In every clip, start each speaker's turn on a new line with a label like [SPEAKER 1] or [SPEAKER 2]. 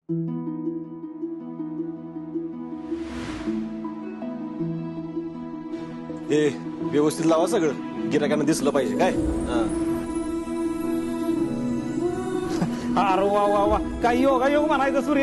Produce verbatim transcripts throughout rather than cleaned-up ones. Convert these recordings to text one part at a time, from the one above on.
[SPEAKER 1] ए व्यवस्थित लावा सगळं, गिरायकांना दिसलं पाहिजे काय.
[SPEAKER 2] अरे वा वा वा, काय योगा योग म्हणायचं सूर्या.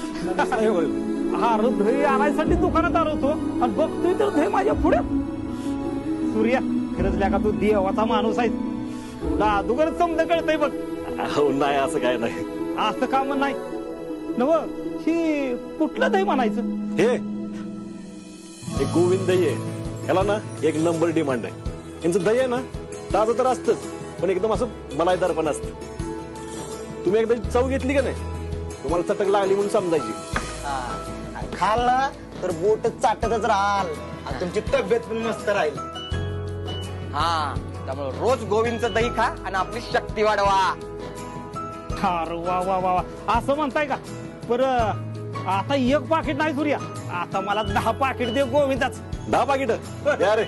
[SPEAKER 2] अरे दही आणायसाठी दुकानात आलो होतो आणि बघतोय तर दही माझ्या पुढे. सूर्या खरंच का तू देवाचा माणूस आहे. तुला अगोदरच समजा कळतंय बघ.
[SPEAKER 1] नाही असं काय नाही.
[SPEAKER 2] असं काम नाही नव. ही कुठलं दही म्हणायचं.
[SPEAKER 1] हे हे गोविंद दही आहे. ह्याला ना एक नंबर डिमांड आहे. यांचं दही आहे ना ताजं तर असतंच, पण एकदम असं मलाईदार पण असतं. तुम्ही एकदा चव घेतली का नाही, तुम्हाला चटक लागली म्हणून समजायची.
[SPEAKER 3] खाल ना तर बोट चाटतच राहाल आणि तुमची तब्येत पण मस्त राहील.
[SPEAKER 4] हा, त्यामुळे रोज गोविंदचं दही खा आणि आपली शक्ती वाढवा.
[SPEAKER 2] अरे वा वा वा वा, असं म्हणताय का. पर आता एक पाकिट नाही सूर्या, आता मला दहा पाकिट दे गोविंदाच.
[SPEAKER 1] दहा पाकिट अरे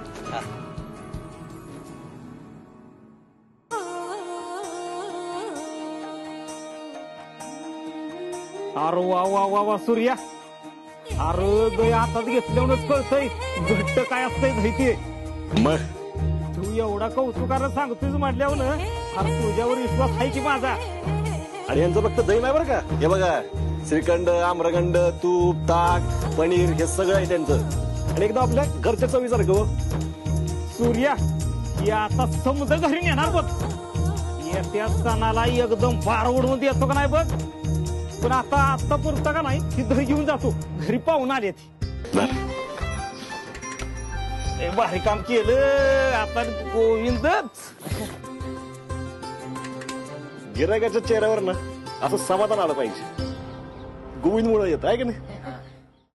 [SPEAKER 2] अरे वा वा वा वा सूर्या. अरे दही हातात घेतल्यावरच कळतंय घट्ट काय असतंय दही ते.
[SPEAKER 1] मग
[SPEAKER 2] तू एवढा कौतुकानं सांगतोय म्हटल्यावर ना, अरे तुझ्यावर विश्वास आहे की माझा.
[SPEAKER 1] आणि यांचं फक्त दही नाही बरं का. हे बघा श्रीखंड, आम्रखंड, तूप, ताक, पनीर हे सगळं आहे त्यांचं. आणि एकदम आपल्या घरच्या चवीसारखं. हो
[SPEAKER 2] सूर्या ही आता समजा घरी नेणार बघ. येत्या सणाला एकदम बार उडवून देतो का नाही बघ. पण आता आता पुरता का नाही, ही दही घेऊन जातो घरी. पाहून आले ती भारी काम केलं आता गोविंदच.
[SPEAKER 1] गिरायकाच्या चेहऱ्यावर ना असं समाधान आलं पाहिजे. गोविंद मुळे येत आहे का नाही.